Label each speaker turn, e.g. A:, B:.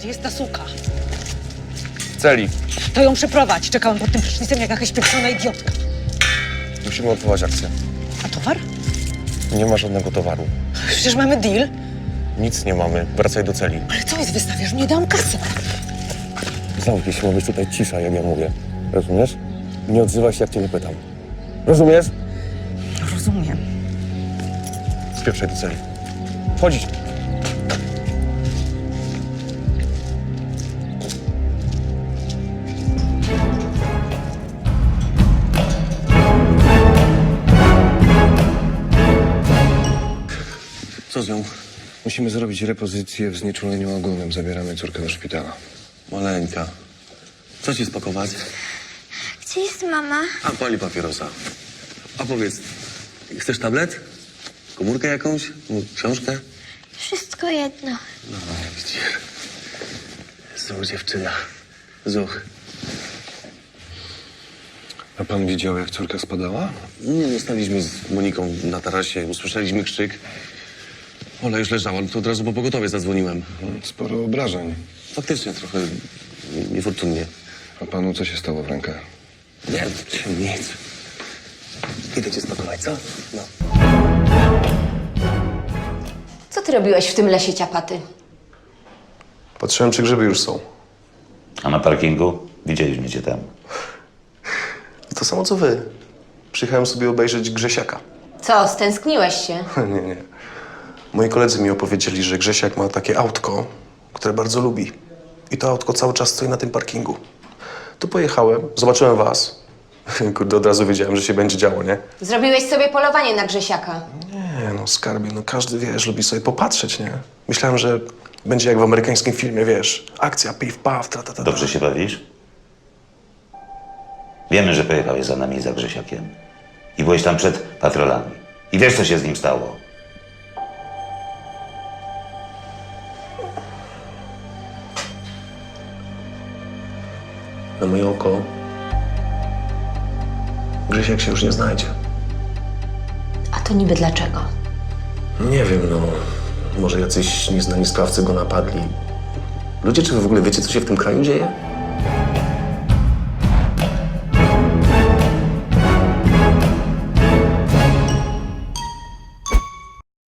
A: Gdzie jest ta suka?
B: W celi.
A: To ją przyprowadź. Czekałam pod tym prysznicem jak jakaś pieprzona idiotka.
B: Musimy odwołać akcję.
A: A towar?
B: Nie ma żadnego towaru.
A: Przecież mamy deal.
B: Nic nie mamy. Wracaj do celi.
A: Ale co jest, wystawiasz? Nie dam kasy.
B: Zamknij się, ma być tutaj cisza, jak ja mówię. Rozumiesz? Nie odzywaj się, jak cię nie pytam. Rozumiesz?
A: Rozumiem.
B: Spieprzaj do celi. Wchodzić.
C: Co z nią?
D: Musimy zrobić repozycję w znieczuleniu ogólnym. Zabieramy córkę do szpitala.
C: Maleńka. Co ci spakować?
E: Gdzie jest mama?
C: A, pali papierosa. A powiedz, chcesz tablet? Komórkę jakąś? Książkę?
E: Wszystko jedno.
C: No, widzisz. Zuch, dziewczyna. Zuch.
D: A pan widział, jak córka spadała?
C: Nie, zostaliśmy z Moniką na tarasie, usłyszeliśmy krzyk. Ola już leżała, no to od razu po pogotowie zadzwoniłem.
D: Sporo obrażeń.
C: Faktycznie trochę niefortunnie.
D: A panu co się stało w rękach?
C: Nie, nic. Idę cię spakować, co? No.
F: Co ty robiłeś w tym lesie, ciapaty?
G: Patrzyłem, czy grzyby już są.
H: A na parkingu? Widzieliśmy cię tam.
G: To samo co wy. Przyjechałem sobie obejrzeć Grzesiaka.
F: Co, stęskniłeś się?
G: Nie. Moi koledzy mi opowiedzieli, że Grzesiak ma takie autko, które bardzo lubi. I to autko cały czas stoi na tym parkingu. Tu pojechałem, zobaczyłem was. Kurde, od razu wiedziałem, że się będzie działo, nie?
F: Zrobiłeś sobie polowanie na Grzesiaka.
G: Nie no, skarbie, no każdy, wiesz, lubi sobie popatrzeć, nie? Myślałem, że będzie jak w amerykańskim filmie, wiesz. Akcja, piw, paw, tra.
H: Dobrze się bawisz? Wiemy, że pojechałeś za nami, za Grzesiakiem. I byłeś tam przed patrolami. I wiesz, co się z nim stało.
G: Na moje oko Grzesiak się już nie znajdzie.
F: A to niby dlaczego?
G: Nie wiem, no. Może jacyś nieznani sprawcy go napadli. Ludzie, czy wy w ogóle wiecie, co się w tym kraju dzieje?